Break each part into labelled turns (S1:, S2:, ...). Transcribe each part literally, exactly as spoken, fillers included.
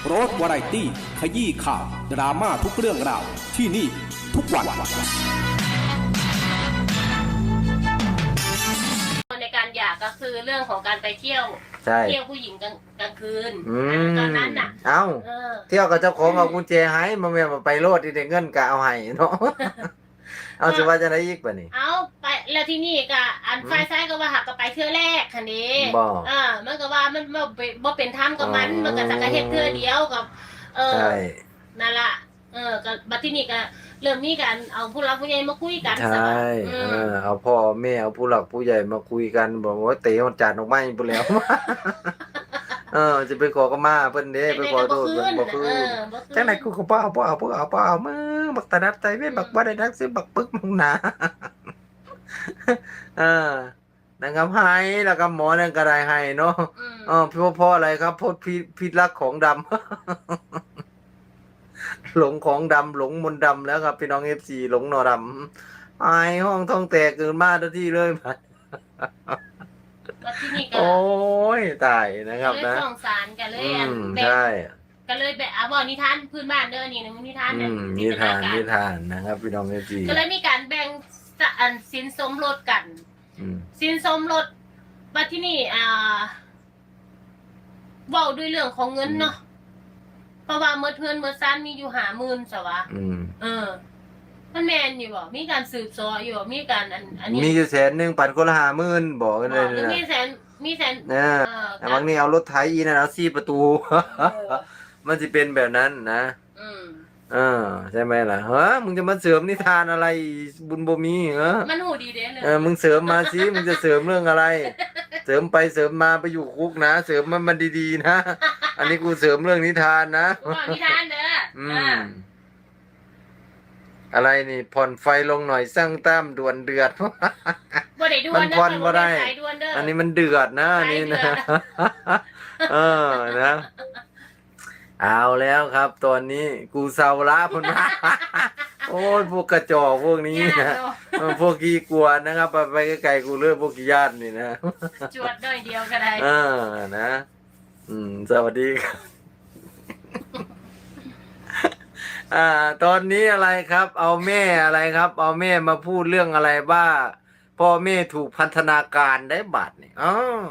S1: โรสวาไรตี้ขยี้ข่าวดราม่าทุกเรื่องราวที่นี่ทุกวัน
S2: ในการหย่าก็คือเรื่องของการไปเที่ยวเที่ยวผู้หญิงกลางกลางคืนตอนนั้นน่ะ
S3: เอ้าเที่ยวกับเจ้าของเอากุญแจให้มาแม่มาไปโลดที่ได้เงินกะเอาให้เนาะเอาสิว่าจะได้อีกป่ะนี่
S2: เอาไปแล้วที่นี่ก็อันฝ่ายซ้ายก็ว่าหักก็ไปเที่ยวแรกคันนี้อ่ามันก็ว่ามันบ่บ่เป็นธรรมกับมันมันก็สักเฮ็ดเทื่อเดียวกับเออนั่นล่ะเออก็บัดที่นี่ก็เริ่มมีกันเอาผู้หลักผู้ใหญ่มาคุยกัน
S3: ใช่เออเอาพ่อแม่เอาผู้หลักผู้ใหญ่มาคุยกันบอกว่าเตะมันจานออกมาอีกแล้วเออจะไปขอก็มาเพิ่นเด้ไปขอโทษเพิ่นบ่คือจังได๋กูก็บ่เอาบ่เอาบ่เอาบ่เอามึงบักตาดับใจเว้นบักบ่ได้ดักซื้อบักปึกมึงหนาเออนะครับให้แล้วก็หมอนั่นก็ได้ให้เนาะเออเพราะเพราะอะไรครับเพราะพิษพิษรักของดำหลงของดำหลงมนต์ดำแล้วครับพี่น้อง เอฟ ซี หลงนอดำไอห้องท้องแตกเกินมาทันทีเลยไปโอ้ยตายนะครับนะ
S2: สงสารกันเลย
S3: ใช่
S2: ก็เลยแบบอ่ะบอกนิทานพื้นบ้านเด้อนี่นิทานเนี่ย
S3: นิทานนิทานนะครับพี่น้อง เอฟ ซี
S2: ก็เลยมีการแบ่งอันสินสมรสกันสินสมรสมาที่นี่อ่าเว้าด้วยเรื่องของเงินเนาะเพราะว่าเมื่อเพื่อนเมื่อซันมีอยู่หาหมื่นสวะเออมันแมนอยู่บ่มีการสืบสออยู่มีการอันอันนี้
S3: มีอยู่แสนหนึ่งปันคนละห้าหมื่นบอกกันเลย
S2: นะมีแสนมีแสน
S3: เออแต่บางนี่เอารถไถอีนะเอาสี่ประตูมันจะเป็นแบบนั้นนะเออใช่ไหมล่ะเฮ้ยมึงจะมาเสริมนิทานอะไรบุญบ่มีเหรอ
S2: มันหูดีเด้เลย
S3: เออมึงเสริมมาสิมึงจะเสริมเรื่องอะไรเสริมไปเสริมมาไปอยู่คุกนะเสริมมันมันดีๆนะอันนี้กูเสริมเรื่องนิทานนะ
S2: นิทานเด้ออืม
S3: อะไรนี่ผ่อนไฟลงหน่อยสร้างตั้มด่วนเดือด
S2: มัน
S3: ผ่อนบ่ได้อันนี้มันเดือดนะนี่นะเออนะเอาแล้วครับตอนนี้กูเซาละพุ่นมาโอ้ยพวกกระจอกพวกนี้นะพวกกี้กวนนะครับไปไปไกลๆกูเลือกพวกกี้ญาตินี่นะ
S2: จวดด้อยเดียวก็ได้
S3: เออนะอืมสวัสดีครับอ่าตอนนี้อะไรครับเอาแม่อะไรครับเอาแม่มาพูดเรื่องอะไรบ้าพ่อแม่ถูกพันธนาการได้บัตรนี่อ๋อ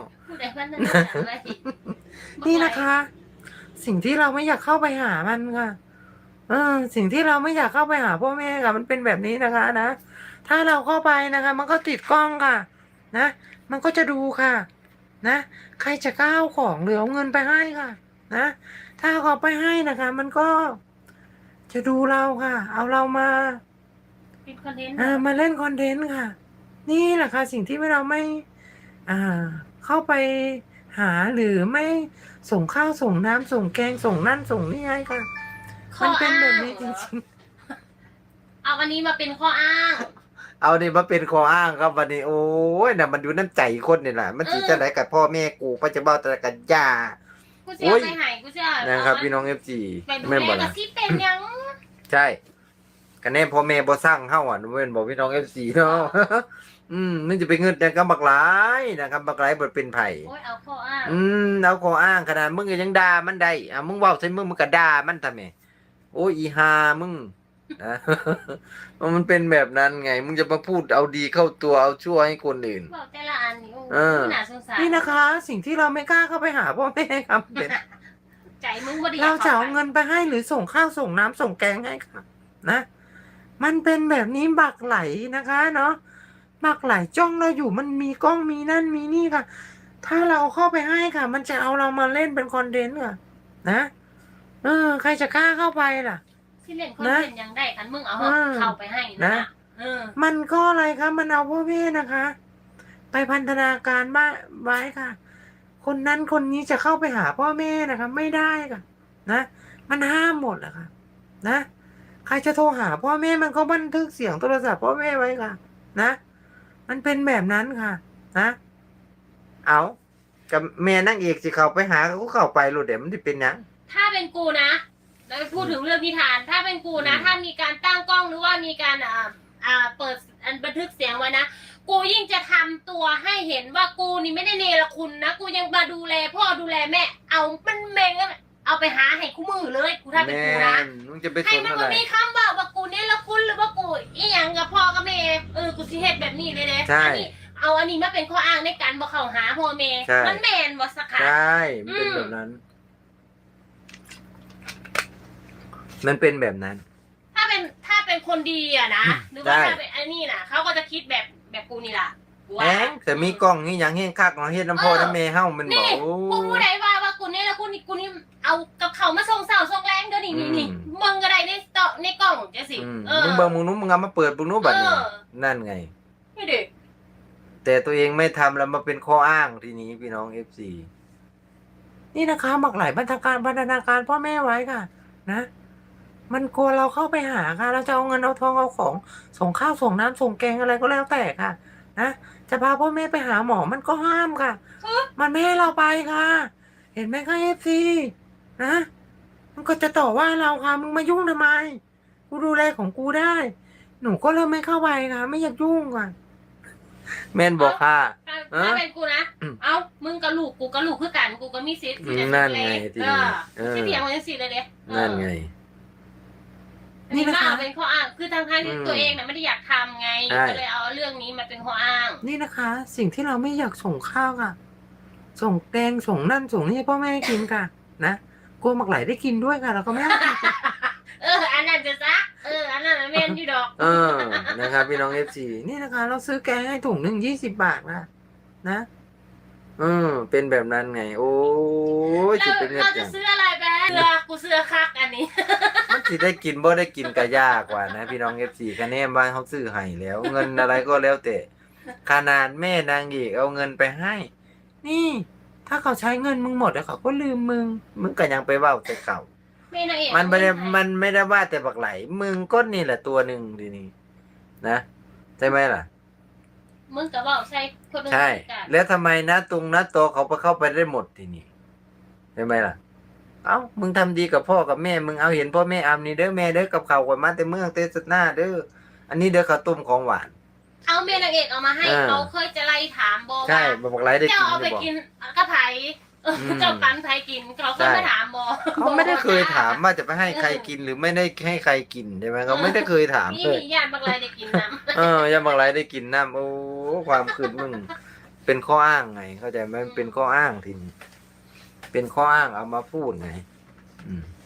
S3: นี่นะคะสิ่งที่เราไม่อยากเข้าไปหามันค่ะเออสิ่งที่เราไม่อยากเข้าไปหาพ่อแม่ค่ะมันเป็นแบบนี้นะคะนะถ้าเราเข้าไปนะคะมันก็ติดกล้องค่ะนะมันก็จะดูค่ะนะใครจะก้าวของหรือเอาเงินไปให้ค่ะนะถ้าเขาไปให้นะคะมันก็จะดูเราค่ะเอาเรามา
S2: เป็นคอนเทนต์
S3: อ่ามาเล่นคอนเทนต์ค่ะนี่แหละค่ะสิ่งที่เราไม่อ่าเข้าไปหาหรือไม่ส่งข้าวส่งน้ำส่งแกงส่งนั่นส่งนี่ให้ค่ะมันเป็นแบบนี้จริง
S2: ๆเอาวันนี้มาเป็นข้ออ้าง
S3: เอานี่มาเป็นข้ออ้างครับวันนี้โอ้ยน่ะมันดูน้ำใจคนนี่แหละมันสิจะไหนกับพ่อแม่กูปัจจุบันแต่กับย่า
S2: กูเสียไปหายกูเสีย
S3: นะครับพี่น้อง เอฟ ซี
S2: แม่บอกที่เป็นยัง
S3: ใช่กันแน่พ่อแม่บ่สร้างเฮาอ่ะเว้นบอกพี่น้อง เอฟ ซี เนาะอืมมันจะไปเงินแต่กับบักหลายนะครับบักหลายบ่เป็นไผ
S2: โอ้ยเอาข้ออ้าง
S3: อืมเอาข้ออ้างขนาดมึงก็ยังด่ามันได้อ่ะมึงเว้าใส่มึงมึงก็ด่ามันทำไมโอ้ยอีห่ามึงนะมันเป็นแบบนั้นไงมึงจะมาพูดเอาดีเข้าตัวเอาชั่วให้คนอื่น
S2: บอกแต่ละอันนี่โอ้น่าสงสาร
S3: นี่นะคะสิ่งที่เราไม่กล้าเข้าไปหาพ่อแม่ครับเป็น
S2: ใจมึงบ่ได้
S3: เราจะเอาเงินไปให้หรือส่งข้าวส่งน้ำส่งแกงให้ค่ะนะมันเป็นแบบนี้บักไหลนะคะเนาะบักไหลจ้องเราอยู่มันมีกล้องมีนั่นมีนี่ค่ะถ้าเราเข้าไปให้ค่ะมันจะเอาเรามาเล่นเป็นคอนเทนต์ค่ะนะเออใครจะกล้าเข้าไปล่ะ
S2: ที่เล่นคอนเทนต์ยังได้คันมึงเอาเข้าไปให้นะ
S3: มันก็อะไรคะมันเอาพ่อแม่นะคะ ไปพันธนาการบ้าไว้ค่ะคนนั้นคนนี้จะเข้าไปหาพ่อแม่นะคะไม่ได้ค่ะนะมันห้ามหมดแหละค่ะนะใครจะโทรหาพ่อแม่มันก็บันทึกเสียงโทรศัพท์พ่อแม่ไว้ค่ะนะมันเป็นแบบนั้นค่ะนะเอากับแม่นั่งเอกสิเข้าไปหาก็เข้าไปรู้เดี๋ยวมันจะเป็นยัง
S2: ถ้าเป็นกูนะเราพูดถึงเรื่องนิทานถ้าเป็นกูนะถ้ามีการตั้งกล้องหรือว่ามีการอ่าอ่าเปิดอันบันทึกเสียงไว้นะกูยิ่งจะทำตัวให้เห็นว่ากูนี่ไม่ได้เนรคุณนะกูยังมาดูแลพ่อดูแลแม่เอามันเมงเอาไปหาให้คู่มือเลยกูถ้าเป็น
S4: แม่
S2: กูนะ
S4: นมึงจะไปส
S2: ให้
S4: น
S2: มัน
S4: อะไร
S2: บ่มีคำว่าว่ากูเนี่ยละคุณหรือว่ากูอีหยังกับพ่อกับแม่เออกูสิเฮ็ดแบบนี้เลยเด้
S4: ใช่
S2: อันี้เอาอันนี้มาเป็นข้ออ้างในการบ่เข้าหาพ่อแม่
S4: ใช่
S2: มันแม่นบ่สักค่ะ
S4: ใช่มันเป็นแบบนั้น มันเป็นแบบนั้น
S2: ถ้าเป็นถ้าเป็นคนดีอะนะหรือว่า
S4: ได้
S2: ถ้าเป็นอันนี้น่ะเขาก็จะคิดแบบแบบกูนี่ล่ะกูว่า
S4: แหงแต่มีกล้องนี่ยังเฮงคักของเฮ็ดน้ำพ่อน้ำแม่เฮามันบ
S2: นี่
S4: อกโอ้
S2: กูผู้ใดว่าว่ากูเนี่ยละกูนี่กูนี่เอากับเขามาส่งเสาส่งแรงเดี๋ยวนี้นี่นี่
S4: อืม
S2: มึงก็ได้ในต่อในกล่องจังสิ
S4: อืม
S2: เออ
S4: มึงเบิ่งมึงนู้นมึงเอามาเปิดมึงนู้นบัดนี้
S2: เออ
S4: นั่นไง
S2: นี่ดิ
S4: แต่ตัวเองไม่ทำแล้วมาเป็นข้ออ้างทีนี้พี่น้อง เอฟ ซี
S3: นี่นะคะหมักหลายบรรณาการบรรณาการพ่อแม่ไว้ค่ะ นะ มันกลัวเราเข้าไปหาค่ะ เราจะเอาเงินเอาทองเอาของส่งข้าวส่งน้ำส่งแกงอะไรก็แล้วแต่ค่ะ นะจะพาพ่อแม่ไปหาหมอมันก็ห้ามค่ะ มันไม่ให้เราไปค่ะ เห็นไหมคะเอฟซีนะ มันก็จะต่อว่าเราค่ะ มึงมายุ่งทำไม กูดูแลของกูได้ หนูก็เริ่มไม่เข้าไปค่ะ ไม่อยากยุ่งค่ะ
S4: แม่นบอกค่ะ
S2: ถ้า
S4: เออ
S2: ถ้าเป็นกูนะ
S4: อืม
S2: เอ้ามึงกับลูกกูกับลูกคือกันกูก็มีสิทธิ์ที่จะ
S4: นั่น
S2: ดูแล
S4: ไงที
S2: เอ
S4: นี้
S2: อ
S4: เออ
S2: ที่เถียงมันจังสิเลยเด้เออ
S4: นั่นไง
S2: อันนี้
S3: นี่นะคะ
S2: มาเอาเป็นข้ออ้างคือทางทางที่
S4: อืม
S2: ตัวเองน่ะไม่ได้อยากทำไง
S4: ใช่
S2: ก็เลยเอาเรื่องนี้มาเป็นข้ออ้าง
S3: นี่นะคะ สิ่งที่เราไม่อยากส่งข้าวค่ะ ส่งแกงส่งนั่นส่งนี่ให้พ่อแม่กินค่ะ นะกลัวหมักไหลได้กินด้วยค่ะเราก็ไม่ให้กินค่ะ
S2: เออ อันนั้นจะซะเออ อันนั้นน่ะแม่นอยู่ดอก
S4: เออ นะครับพี่น้อง เอฟ ซี
S3: นี่นะคะ เราซื้อแกงให้ถุงหนึ่งยี่สิบบาทค่ะนะ
S4: เออ เป็นแบบนั้นไง โอ้ย
S2: เรา
S4: จะเป็นเงิน
S2: เรา
S4: จั
S2: จะ
S4: ง
S2: ซื้ออะไรไปเสื้อกูเสื้อคักอันนี้
S4: มันสิได้กินบ่ได้กินก็ยากกว่านะพี่น้อง เอฟ ซี คะแนนบ้านเขาซื้อให้แล้ว เงินอะไรก็แล้วแต่ขนาดแม่นางเอกเอาเงินไปให้
S3: นี่ ถ้าเขาใช้เงินมึงหมดแล้วเขาก็ลืมมึง
S4: มึงก็ยังไปเว้าแต่เก่า
S2: แม่นางเอก
S4: มันไม่ได้มันไม่ได้ว่าแต่บักไหล มึงก็นี่แหละตัวหนึ่งทีนี้นะใช่ไหมล่ะ
S2: มึงกับว่าใช่คนนึง
S4: ใช่
S2: กัน
S4: แล้วทำไมนะตรงนะโตวเขาไปเข้าไปได้หมดทีนี้ใช่ไหมล่ะ เอ้ามึงทำดีกับพ่อกับแม่ มึงเอาเห็นพ่อแม่อำนี่เด้อแม่เด้อกับเขาวกว่ามาแต่เมืองเตสหน้าเด้ออันนี้เด้อข้าวต้มของหวาน
S2: เอาแม่นางเอกเอามาให้
S4: เออ
S2: เขาเคยจะไล่ถามบอก
S4: ใช่
S2: ว่า
S4: บักไหลได้
S2: เจ้า
S4: กิน
S2: เอา
S4: ห
S2: ไป
S4: รือบอก
S2: กินกระไผ่เอออ
S4: ม
S2: เจ้าปันไผ่กินเขาเคยมาถามบอก
S4: เขาไม่ได้เคยถามว่าจะไปให้ใครกินหรือไม่ได้ให้ใครกินใช่ไหมเขาไม่ได้เคยถาม
S2: นี่
S4: เลย
S2: มีญาติบางรายได้กินน้
S4: เออยังบางไรได้กินน้ำโอ้ความคืดมึง เป็นข้ออ้างไง เข้าใจไหมมันเป็นข้ออ้างทีนี้เป็นข้ออ้างเอามาพูดไง อืม
S2: ำ